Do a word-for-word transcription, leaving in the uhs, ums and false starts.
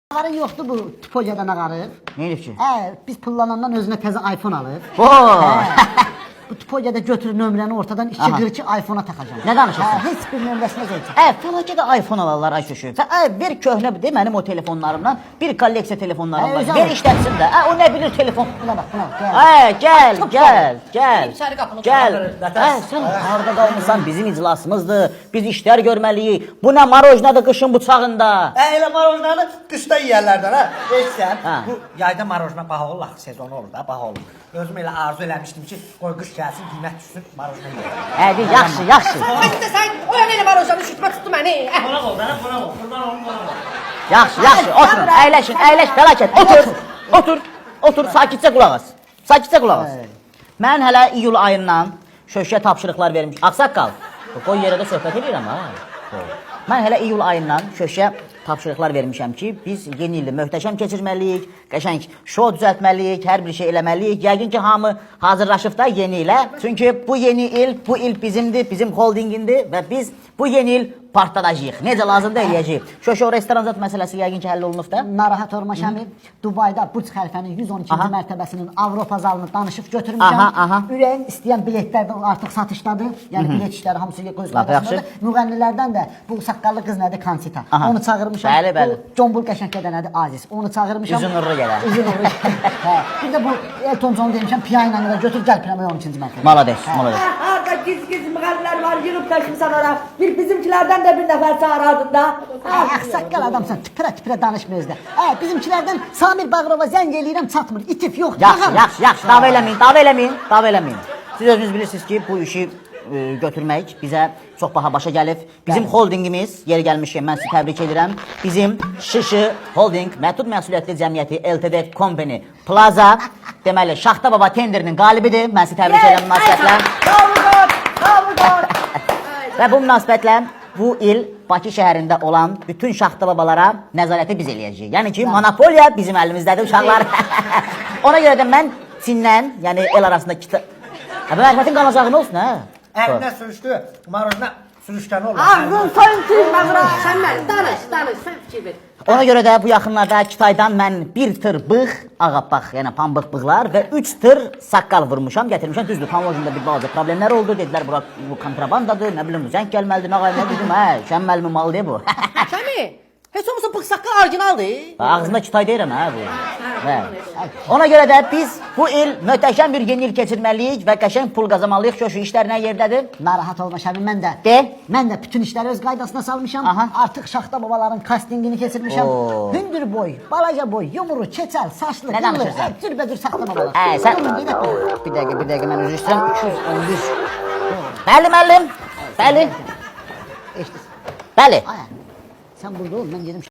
Ağarı yoxdur bu tipologiyadan ağarı. Ne elif ki? Hə, biz pullanandan özünə təzə iPhone alır. Oo. Bu tipologiyada götürür nömrəni ortadan iki Aha. qırx iki iPhone-a taxacam. Nə danışırsan? Hə, heç bir nömrəsinə zəncə. Ə, fəlakədə iPhone alarlar ay şuşu. Sən ə, bir köhnə de mənim o telefonlarımdan bir kolleksiya telefonlarım Ə, var. özü Ver alır. işlətsin də. Ə, o nə bilir telefon. Buna bax, buna bax. Ə, gəl, Çox gəl, gəl. İçəri qapını Gəl. qapatırsın. Ə, sən harda qalmısan? Bizim iclasımızdır. Biz işlər görməliyik. Bu nə marojnadır qışın bıçağında. Hə, elə marojnanı qışda yeyərlərdən, hə? Eşsən, Hə. bu yayda marojna baha olur, axı sezonu olur da, baha olur. Özüm elə arzu eləmişdim ki, qoy qış gəlsin, qiymət düşsün, marojna yeyək. Hadi, yaxşı, yaxşı. Hadi sən o yana elə marojnanı şütmə tutdu məni. Qonaq ol, mənə qonaq ol, qurban olum, qonaq ol. Yaxşı, yaxşı. Oturun, əyləşin, əyləş, fəlakət. Otur, otur, otur, sakitcə qulaq as. Sakitcə qulaq as. Mən hələ iyul ayından şöşə tapşırıqlar vermişəm. Ağsaqqal, qoy yerə də söhbət edirəm, ha. Mən hələ iyul ayından şöşə tapşırıqlar vermişəm ki, biz yeni ildə möhtəşəm keçirməliyik, qəşəng şou düzəltməliyik, hər bir şey eləməliyik. Yəqin ki, hamı hazırlaşıb da yeni ilə. Çünki bu yeni il, bu il bizimdir, bizim holdingindir və biz bu yeni il partladacağıq. Necə lazımdır eləyəcəyik. Şöşə restoran zat məsələsi yəqin ki, həll olunub da. Narahat olma Şəmi, Dubayda Burj Xəlifənin yüz on ikinci Aha. mərtəbəsinin Avropa zalını danışıb götürmüşəm. Aha, aha. Ürəyin istəyən biletlər də artıq satışdadır. Yəni bilet işləri hamısı göz Lap yaxşı. qarşısındadır. Müğənnilərdən də bu saqqallı qız nədir? Kansita. Aha. Onu çağırmışam. Bəli, bəli. Bu Combul qəşəngdə nədir? Aziz. Onu çağırmışam. Üzün uğurlu gələr. Üzün uğurlu. Hə. Bir də bu Elton John demişəm, piano ilə götür gəl pianoya on ikinci mərtəbə. Malades, malades. Harda giz-giz müğənnilər var, yığıb təşmisən ora. Bir bizimkilərdən də bir nəfər çağırardın da. Ay, saqqal adamsan, tipirə-tipirə danışma özdə. Hə, bizimkilərdən Samir Bağırova zəng eləyirəm, çatmır. İtif yox. Yaxşı, yaxşı, yaxşı. Dava eləməyin, dava eləməyin, dava eləməyin. Siz özünüz bilirsiniz ki, bu işi e, götürmək bizə çox baha başa gəlib. Bizim Bəli. holdingimiz, yeri gəlmişkən mən sizi təbrik edirəm. Bizim Şışı Holding Məhdud Məsuliyyətli Cəmiyyəti L T D Company Plaza deməli Şaxta Baba tenderinin qalibidir. Mən sizi təbrik edirəm münasibətlə. Və bu münasibətlə bu il Bakı şəhərində olan bütün Şaxta Babalara nəzarəti biz eləyəcəyik. Yəni ki, monopoliya bizim əlimizdədir uşaqlar. Ona görə də mən Çindən, yəni el arasında kita... Hə, bu mərifətin qanacağı nə olsun, hə? Əlinə sürüşdü, marojna sürüşkəni olur. Ağzın soyun tüymə bura. Sən məni danış, danış, sən fikir ver. Ona görə də bu yaxınlarda Kitaydan mən bir tır bığ, ağappaq, yəni pambıq bığlar və üç tır saqqal vurmuşam, gətirmişəm. Düzdür, pamojunda bir balaca problemlər oldu. Dedilər, bura bu kontrabandadır, nə bilim, zəng gəlməlidir, nə qayım, nə dedim, hə, şən müəllimin malıdır bu. Şəmi, heç olmasa bıx saqqal orijinaldır. Ağzında Kitay deyirəm, hə, bu. Hə. Ona görə də biz bu il möhtəşəm bir yeni il keçirməliyik və qəşəng pul qazanmalıyıq. Şöşü işlər nə yerdədir? Narahat olma Şəmi, mən də. De. Mən də bütün işləri öz qaydasına salmışam. Aha. Artıq Şaxta Babaların kastingini keçirmişəm. Oo. Hündür boy, balaca boy, yumru, keçəl, saçlı, Nə qıllı, danışırsan? hə, cürbəcür Şaxta Babalar. Hə, sən... Durun, bir dəqiqə. Bir dəqiqə, bir dəqiqə, mən üzr istəyirəm. üç yüz on bir. Bəli, müəllim. Bəli. Eşidirsən. Bəli. Ay, sən burada ol, mən gedim.